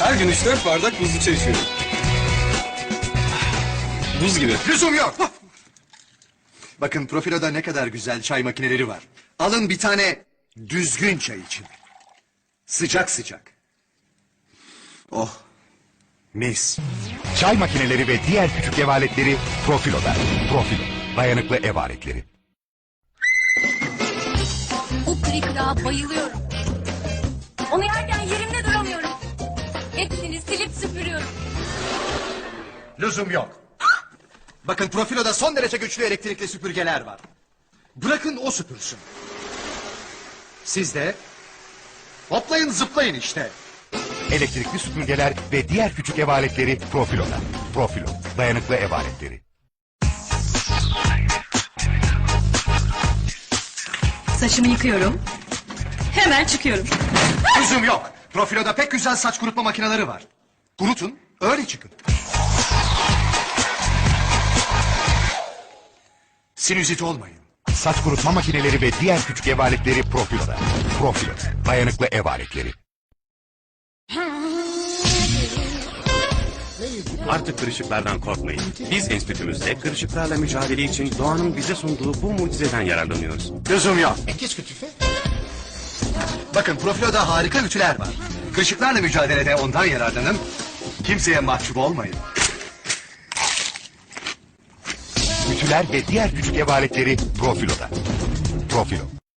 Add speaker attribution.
Speaker 1: Her gün 3-4 bardak buzlu çay içiyorum. Buz gibi.
Speaker 2: Lüzum yok. Bakın Profilo'da ne kadar güzel çay makineleri var. Alın bir tane düzgün çay için. Sıcak sıcak. Oh, mis.
Speaker 3: Çay makineleri ve diğer küçük ev aletleri Profilo'da. Profilo, dayanıklı ev aletleri.
Speaker 4: Bu kırıklığa bayılıyorum. Onu yerken yerimde duramıyorum. Hepsini silip süpürüyorum.
Speaker 2: Lüzum yok. Bakın Profilo'da son derece güçlü elektrikli süpürgeler var. Bırakın o süpürsün. Siz de hoplayın zıplayın işte.
Speaker 3: Elektrikli süpürgeler ve diğer küçük ev aletleri Profilo'da. Profilo, dayanıklı ev aletleri.
Speaker 5: Saçımı yıkıyorum. Hemen çıkıyorum.
Speaker 2: Lüzum yok. Profilo'da pek güzel saç kurutma makineleri var. Kurutun, öyle çıkın. Sinüzit olmayın.
Speaker 3: Saç kurutma makineleri ve diğer küçük ev aletleri Profilo'da. Profilo, dayanıklı ev aletleri.
Speaker 6: Artık kırışıklardan korkmayın. Biz enstitümüzde kırışıklarla mücadele için doğanın bize sunduğu bu mucizeden yararlanıyoruz.
Speaker 2: Lüzum yok. Bakın Profilo'da harika ütüler var. Kırışıklarla mücadelede ondan yararlanın. Kimseye mahcup olmayın.
Speaker 3: Ütüler ve diğer küçük ev aletleri Profilo'da. Profilo,